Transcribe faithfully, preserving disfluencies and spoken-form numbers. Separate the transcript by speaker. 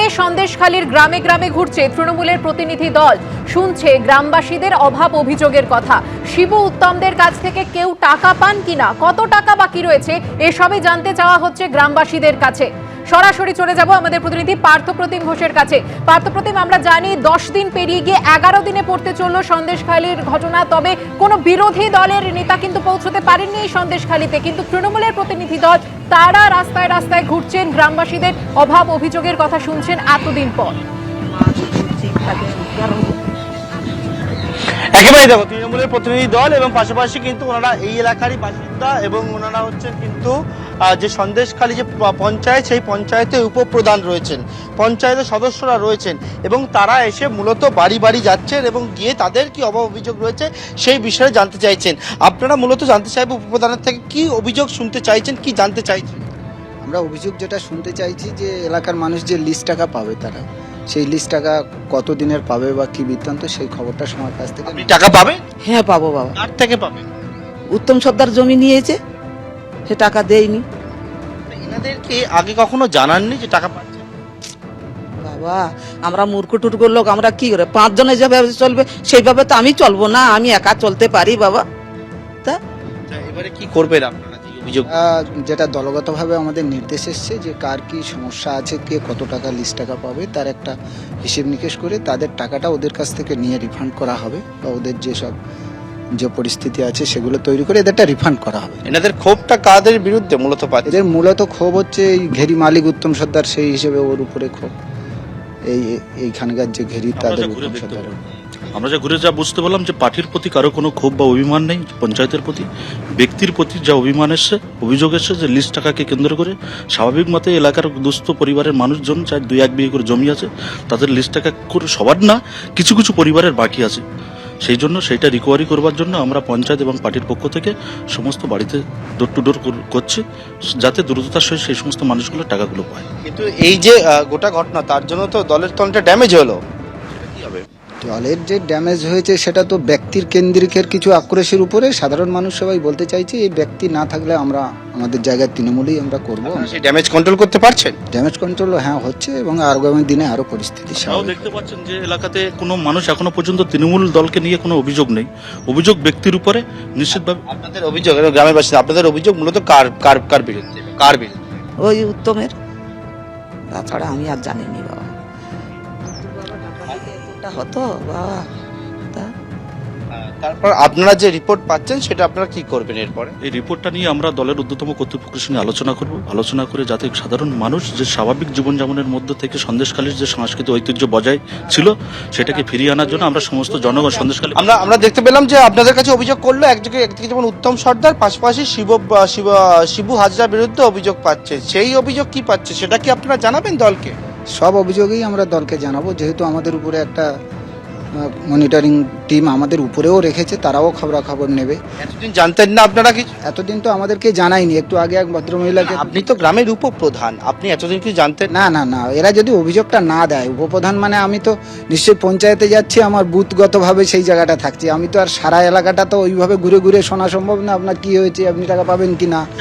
Speaker 1: সন্দেশখালীর গ্রামে গ্রামে ঘুরছে তৃণমূলের প্রতিনিধি দল, শুনছে গ্রামবাসীদের অভাব অভিযোগের কথা। শিবু উত্তমদের কাছ থেকে কেউ টাকা পান কিনা, কত টাকা বাকি রয়েছে, এসবই জানতে চাওয়া হচ্ছে গ্রামবাসীদের কাছে। সরাসরি চলে যাব আমাদের প্রতিনিধি পার্থপ্রতিম ঘোষের কাছে। পার্থপ্রতিম, আমরা জানি দশ দিন পেরিয়ে গিয়ে এগারো দিনে পড়তে চলল সন্দেশখালীর ঘটনা, তবে কোনো বিরোধী দলের নেতা কিন্তু পৌঁছতে পারেননি এই সন্দেশখালীতে, কিন্তু তৃণমূলের প্রতিনিধি দল তারা রাস্তায় রাস্তায় ঘুরছেন, গ্রামবাসীদের অভাব অভিযোগের কথা শুনছেন এতদিন পর।
Speaker 2: একেবারেই দেখো, তৃণমূলের প্রতিনিধি দল এবং পাশাপাশি কিন্তু ওনারা এই এলাকারই বাসিন্দা এবং ওনারা হচ্ছেন কিন্তু যে সন্দেশখালী যে পঞ্চায়েত, সেই পঞ্চায়েতে উপপ্রধান রয়েছেন, পঞ্চায়েতের সদস্যরা রয়েছেন এবং তারা এসে মূলত বাড়ি বাড়ি যাচ্ছেন এবং গিয়ে তাদের কি অভাব অভিযোগ রয়েছে সেই বিষয়ে জানতে চাইছেন। আপনারা মূলত জানতে চাইবেন উপপ্রধানের থেকে কি অভিযোগ শুনতে চাইছেন, কি জানতে চাইছেন?
Speaker 3: আমরা অভিযোগ যেটা শুনতে চাইছি যে এলাকার মানুষ যে লিস্ট টাকা পাবে, তারা সেই লিস্ট টাকা কত দিনের পাবে বা কি বৃত্তান্ত, সেই খবরটা সময় কাছ থেকে।
Speaker 2: আপনি টাকা পাবেন?
Speaker 4: হ্যাঁ পাবো বাবা।
Speaker 2: কার থেকে পাবেন?
Speaker 4: উত্তম সর্দার জমি নিয়েছে, সে টাকা দেয়নি।
Speaker 2: এনাদেরকে আগে কখনো জানাননি যে টাকা পাচ্ছে?
Speaker 4: বাবা আমরা মূর্খ টুটকো লোক, আমরা কি করে পাঁচজনে যেভাবে চলবে সেইভাবে তো আমি চলবো না, আমি একা চলতে পারি বাবা। তা
Speaker 2: এবারে কি করবেন আপনারা? অভিযোগ
Speaker 3: আহ, যেটা দলগতভাবে আমাদের নির্দেশ এসছে যে কার কি সমস্যা আছে, কে কত টাকা লিস্ট টাকা পাবে, তার একটা হিসেব নিকেশ করে তাদের টাকাটা ওদের কাছ থেকে নিয়ে রিফান্ড করা হবে, বা ওদের যেসব যে পরিস্থিতি আছে সেগুলো তৈরি করে এদেরটা রিফান্ড করা হবে।
Speaker 2: এনাদের ক্ষোভটা কাদের বিরুদ্ধে মূলত পাচ্ছে?
Speaker 3: এদের মূলত ক্ষোভ হচ্ছে এই ঘেরি মালিক উত্তম সর্দার, সেই হিসেবে ওর উপরে ক্ষোভ। এই এইখানকার যে ঘেরি তাদের উত্তম সর্দার।
Speaker 5: আমরা যা ঘুরে যা বুঝতে পারলাম যে পার্টির প্রতি কারো কোনো ক্ষোভ বা অভিমান নেই, পঞ্চায়েতের প্রতি ব্যক্তির প্রতি যা অভিমান এসছে, অভিযোগ এসছে যে লিস্ট টাকাকে কেন্দ্র করে স্বাভাবিক মতে এলাকার দুস্থ পরিবারের মানুষজন, চাই দুই এক বিঘে করে জমি আছে, তাদের লিস্ট টাকা করে সবার না, কিছু কিছু পরিবারের বাকি আছে। সেই জন্য সেইটা রিকভারি করবার জন্য আমরা পঞ্চায়েত এবং পার্টির পক্ষ থেকে সমস্ত বাড়িতে ডোর টু ডোর করছি, যাতে দ্রুততার সহিত সেই সমস্ত মানুষগুলো টাকাগুলো পায়।
Speaker 2: কিন্তু এই যে গোটা ঘটনা, তার জন্য তো দলের তো অনেকটা ড্যামেজ হলো। কি হবে?
Speaker 3: দলের যে ড্যামেজ হয়েছে সেটা তো ব্যক্তির কেন্দ্রিকের কিছু আক্রোশের উপরে। সাধারণ মানুষ সবাই বলতে চাইছে এই ব্যক্তি না থাকলে আমরা আমাদের জায়গায় তৃণমূলই আমরা করবো।
Speaker 2: সেই ড্যামেজ কন্ট্রোল করতে পারছেন?
Speaker 3: ড্যামেজ কন্ট্রোল হ্যাঁ হচ্ছে, এবং আগামী দিনে আরো পরিস্থিতি
Speaker 5: তাও
Speaker 3: স্বাভাবিক।
Speaker 5: দেখতে পাচ্ছেন যে এলাকাতে কোনো মানুষ এখনো পর্যন্ত তৃণমূল দলকে নিয়ে কোনো অভিযোগ নেই, অভিযোগ ব্যক্তির উপরে নিশ্চিতভাবে।
Speaker 2: আপনাদের অভিযোগ, গ্রামের বাসিন্দা, আপনাদের অভিযোগ মূলত কার কার কার বিরুদ্ধে? কার বিরুদ্ধে?
Speaker 4: ওই উত্তমের, তাছাড়া আমি আর জানিনি বাবা। হতো বাবা। তা
Speaker 2: তারপর আপনারা যে রিপোর্ট পাচ্ছেন সেটা আপনারা কি করবেন এরপরে?
Speaker 5: এই রিপোর্টটা নিয়ে আমরা দলের ঊর্ধ্বতম কর্তৃপক্ষের সঙ্গে আলোচনা করব, আলোচনা করে যাতে সাধারণ মানুষ যে স্বাভাবিক জীবনযাপনের মধ্যে থেকে সন্দেশখালীর যে সাংস্কৃতিক ঐতিহ্য বজায় ছিল সেটাকে ফিরিয়ে আনার জন্য আমরা সমস্ত জনগণ সন্দেশখালী।
Speaker 2: আমরা আমরা দেখতে পেলাম যে আপনাদের কাছে অভিযোগ করলো একদিকে একদিকে যেমন উত্তম সর্দার, পাশাপাশি শিব শিব শিবু হাজরার বিরুদ্ধে অভিযোগ পাচ্ছে, সেই অভিযোগ কি পাচ্ছে সেটা কি আপনারা জানাবেন দলকে?
Speaker 3: সব অভিযোগেই আমরা দলকে জানাবো, যেহেতু আমাদের উপরে একটা মনিটরিং টিম আমাদের উপরেও রেখেছে, তারাও খবরাখবর নেবে।
Speaker 2: এতদিন জানতেন না আপনারা কিছু?
Speaker 3: এতদিন তো আমাদেরকে জানায়নি। একটু আগে এক ভদ্রমহিলাকে,
Speaker 2: আপনি তো গ্রামের উপপ্রধান, আপনি এতদিন কি জানতেন
Speaker 3: না না না এরা যদি অভিযোগটা না দেয়, উপপ্রধান মানে আমি তো নিশ্চয়ই পঞ্চায়েতে যাচ্ছি, আমার বুথগতভাবে সেই জায়গাটা থাকছি, আমি তো আর সারা এলাকাটা তো ওইভাবে ঘুরে ঘুরে শোনা সম্ভব না আপনার কি হয়েছে, আপনি টাকা পাবেন কি না।